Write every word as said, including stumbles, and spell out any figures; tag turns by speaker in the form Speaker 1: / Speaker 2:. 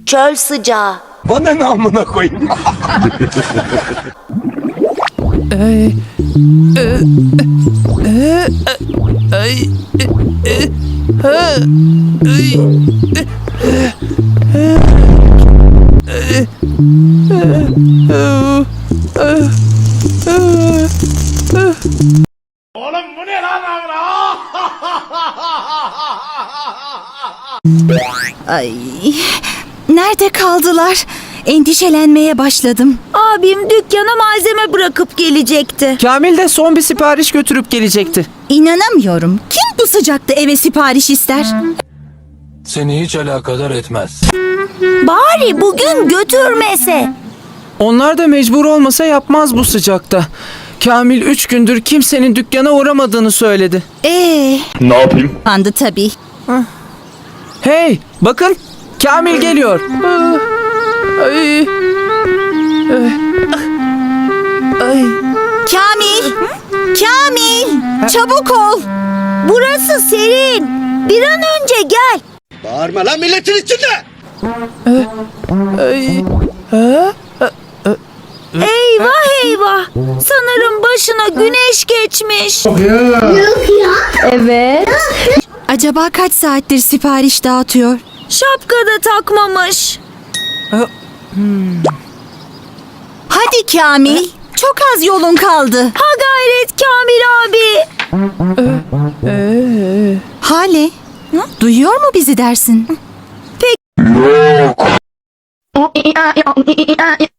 Speaker 1: Çöl sıcağı.
Speaker 2: Bana ne amına koyayım?
Speaker 3: Ay, e, e, ay, e, e, ha, ay, e, e, e, e, e, e.
Speaker 2: Oğlum bu ne lan amına?
Speaker 4: Ay, nerede kaldılar? Endişelenmeye başladım.
Speaker 1: Abim dükkana malzeme bırakıp gelecekti.
Speaker 3: Kamil de son bir sipariş götürüp gelecekti.
Speaker 4: İnanamıyorum. Kim bu sıcakta eve sipariş ister?
Speaker 2: Seni hiç alakadar etmez.
Speaker 1: Bari bugün götürmese.
Speaker 3: Onlar da mecbur olmasa yapmaz bu sıcakta. Kamil üç gündür kimsenin dükkana uğramadığını söyledi.
Speaker 4: Ee,
Speaker 2: Ne yapayım?
Speaker 4: pandı tabii.
Speaker 3: Hey, bakın Kamil geliyor. Ay, ay.
Speaker 4: Kamil! Kamil! Çabuk ol!
Speaker 1: Burası serin. Bir an önce gel.
Speaker 2: Bağırma lan milletin içinde!
Speaker 3: Ay, ha?
Speaker 1: Eyvah eyvah. Sanırım başına güneş geçmiş.
Speaker 4: Acaba kaç saattir sipariş dağıtıyor?
Speaker 1: Şapka da takmamış.
Speaker 4: Hadi Kamil! Çok az yolun kaldı.
Speaker 1: Ha gayret Kamil abi.
Speaker 4: Hale, duyuyor mu bizi dersin?
Speaker 1: Pek...